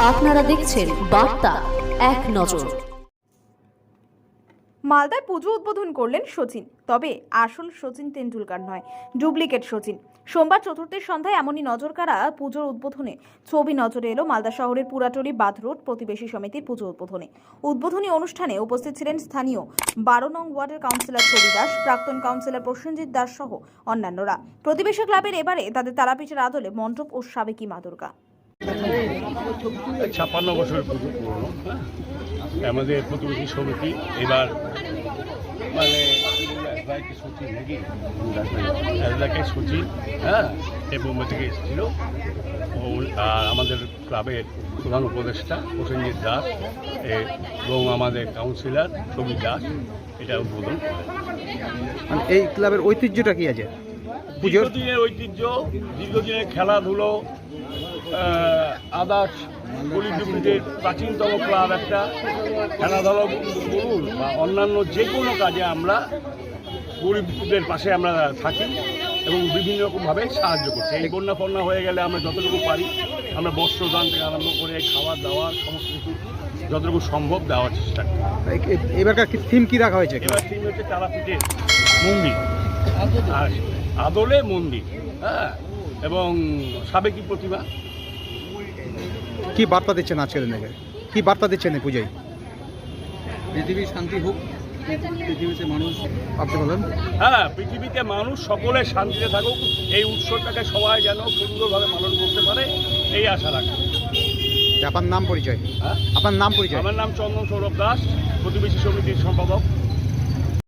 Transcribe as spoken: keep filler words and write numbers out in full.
আপনারা দেখছেন বার্তা এক নজর। মালদায় পুজো উদ্বোধন করলেন সচিন, তবে আসল সচিন তেন্ডুলকার নয়, ডুপ্লিকেট সচিন। সোমবার চতুর্থের সন্ধ্যায় এমনই নজরকাড়া পুজোর উদ্বোধনে ছবি নজরে এলো মালদা শহরের পুরাটলি বাঁধ রোড প্রতিবেশী সমিতির পুজো উদ্বোধনে। উদ্বোধনী অনুষ্ঠানে উপস্থিত ছিলেন স্থানীয় বারো নং ওয়ার্ডের কাউন্সিলর ছবি দাস, প্রাক্তন কাউন্সিলর প্রসেনজিৎ দাস সহ অন্যান্যরা। প্রতিবেশী ক্লাবের এবারে তাদের তারাপীঠের আদলে মণ্ডপ ও সাবেকি মা দুর্গা। ছাপ্পান্ন বছর পুজো পুরনো, হ্যাঁ আমাদের প্রতিবেশী সমিতি এবার মানে সচিব নাকি এলাকায় সচিব, হ্যাঁ এই বোম্বে থেকে এসেছিল। আর আমাদের ক্লাবের প্রধান উপদেষ্টা প্রসেনজিৎ দাস এবং আমাদের কাউন্সিলর ছবি দাস এটা উদ্বোধন করেন। মানে এই ক্লাবের ঐতিহ্যটা কি আছে? পুজোর দিনের ঐতিহ্য, দীর্ঘদিনের খেলাধুলো, আদার্স গরিবদের প্রাচীনতম ক্লাব একটা। খেলাধুলা বলুন বা অন্যান্য যে কোনো কাজে আমরা গরিবদের পাশে আমরা থাকি এবং বিভিন্ন রকমভাবে সাহায্য করছি। এই বন্যা ফন্যা হয়ে গেলে আমরা যতটুকু পারি আমরা বস্ত্রদান থেকে আরম্ভ করে খাওয়া দাওয়া সমস্ত কিছু যতটুকু সম্ভব দেওয়ার চেষ্টা করি। এবারকার থিম কি রাখা হয়েছে? এবার থিম হচ্ছে তারাপীঠের মন্দির আর আদলে মন্দির, হ্যাঁ এবং সাবেকি প্রতিমা। কি বার্তা দিচ্ছেন আজকের দিনে? কি বার্তা দিচ্ছেন এই পুজোয়? পৃথিবীর শান্তি হোক, পৃথিবীতে মানুষ, আপনি বলেন। হ্যাঁ, পৃথিবীতে মানুষ সকলে শান্তিতে থাকুক, এই উৎসবটাকে সবাই যেন সুন্দরভাবে পালন করতে পারে এই আশা রাখি। আপনার নাম পরিচয়? হ্যাঁ, আপনার নাম পরিচয়? আমার নাম চন্দন সৌরভ দাস, প্রতিবেশী সমিতির সম্পাদক।